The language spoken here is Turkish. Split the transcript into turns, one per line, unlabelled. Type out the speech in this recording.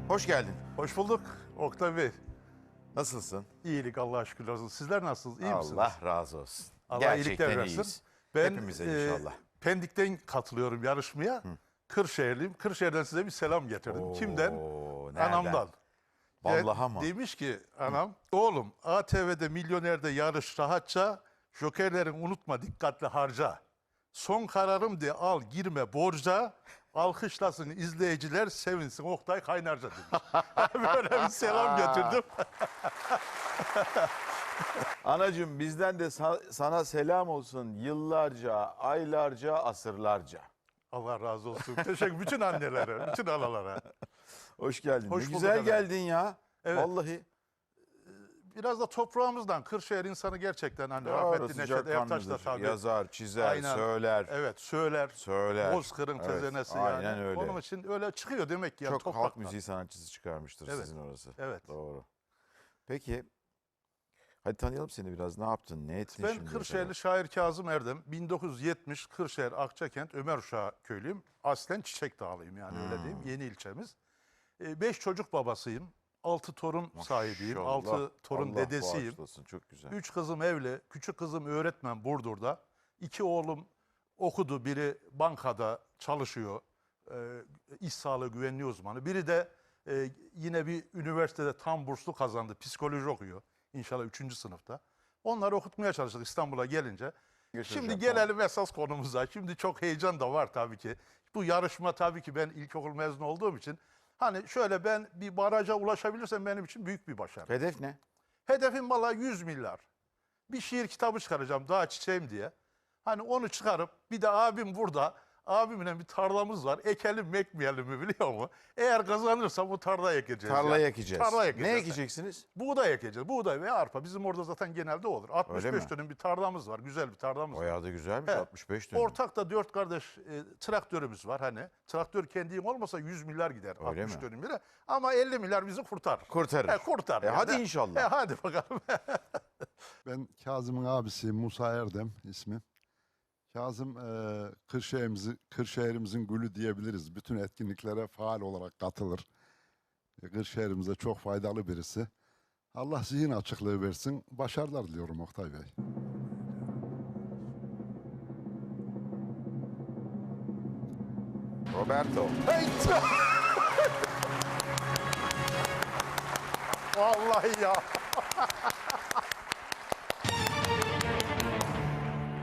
Hoş geldin.
Hoş bulduk Oktay Bey.
Nasılsın?
İyilik Allah'a şükürler olsun. Sizler nasılsınız? İyi misiniz?
Allah razı olsun.
Allah iyilikler
Gerçekten
versin.
iyiyiz.
Ben
Hepimize inşallah.
Pendik'ten katılıyorum yarışmaya. Kırşehirliyim. Kırşehir'den size bir selam getirdim. Kimden?
Nereden?
Anamdan.
Vallahi mı?
Demiş ki anam, oğlum ATV'de Milyonер'de yarış rahatça, jokerlerin unutma dikkatli harca. Son kararım de al girme borca, alkışlasın izleyiciler sevinsin Oktay Kaynarca demiş. Böyle bir selam getirdim.
Anacığım bizden de sana selam olsun yıllarca, aylarca, asırlarca.
Allah razı olsun. Teşekkür bütün annelere, bütün analara.
Hoş geldin.
Hoş
Ne
bulduk
güzel
efendim.
geldin ya.
Evet.
Vallahi.
Biraz da toprağımızdan, Kırşehir insanı gerçekten hani
Doğru,
rahmetli Neşet Ertaş da
sıcakkanlıdır.
tabii.
Yazar, çizer,
Aynen.
söyler.
Evet, söyler.
Söyler.
Bozkır'ın
Evet,
tezenesi
aynen
yani.
öyle.
Onun için öyle çıkıyor demek ki. Yani
Çok halk
topraktan.
müziği sanatçısı çıkarmıştır
Evet,
sizin orası.
evet.
Doğru. Peki. Hadi tanıyalım seni biraz. Ne yaptın? Ne ettin
Ben
şimdiye
Kırşehirli
kadar?
şair Kazım Erdem. 1970 Kırşehir Akçakent Ömer Uşağı köylüyüm. Aslen Çiçek Dağlıyım yani öyle diyeyim. Yeni ilçemiz. 5 çocuk babasıyım. 6 torun sahibiyim.
Maşallah.
6 torun
Allah
dedesiyim.
bağışlasın, çok güzel.
3 kızım evli. Küçük kızım öğretmen Burdur'da. 2 oğlum okudu. Biri bankada çalışıyor. İş sağlığı güvenliği uzmanı. Biri de yine bir üniversitede tam burslu kazandı. Psikoloji okuyor. İnşallah 3. sınıfta. Onları okutmaya çalıştık İstanbul'a gelince.
Geçireceğim,
Şimdi gelelim esas konumuza. Şimdi çok heyecan da var tabii ki. Bu yarışma tabii ki ben ilkokul mezunu olduğum için hani şöyle ben bir baraja ulaşabilirsem benim için büyük bir başarı.
Hedef ne?
Hedefim valla 100 milyar. Bir şiir kitabı çıkaracağım daha çiçeğim diye. Hani onu çıkarıp bir de abim burada. Abimle bir tarlamız var. Ekelim mi ekmeyelim mi biliyor musun? Eğer kazanırsam bu tarlayı ekeceğiz.
Tarlayı
yani.
ekeceğiz.
Tarla
Ne ekeceksiniz?
Buğday ekeceğiz. Buğday ve arpa. Bizim orada zaten genelde olur. 65
mi?
dönüm bir tarlamız var. Güzel bir tarlamız var.
Bayağı da güzelmiş,
Evet.
65 dönüm.
Ortak da 4 kardeş traktörümüz var hani. Traktör kendin olmasa 100 milyar gider
Öyle
60
mi?
dönüm bile. Ama 50 milyar bizi kurtarır.
Kurtarır.
Kurtarır.
Hadi inşallah.
Hadi bakalım.
Ben Kazım'ın abisi Musa Erdem ismi. Kazım Kırşehir'imizin gülü diyebiliriz. Bütün etkinliklere faal olarak katılır. Kırşehir'imize çok faydalı birisi. Allah zihin açıklığı versin. Başarılar diliyorum Oktay Bey.
Roberto.
Vallahi ya.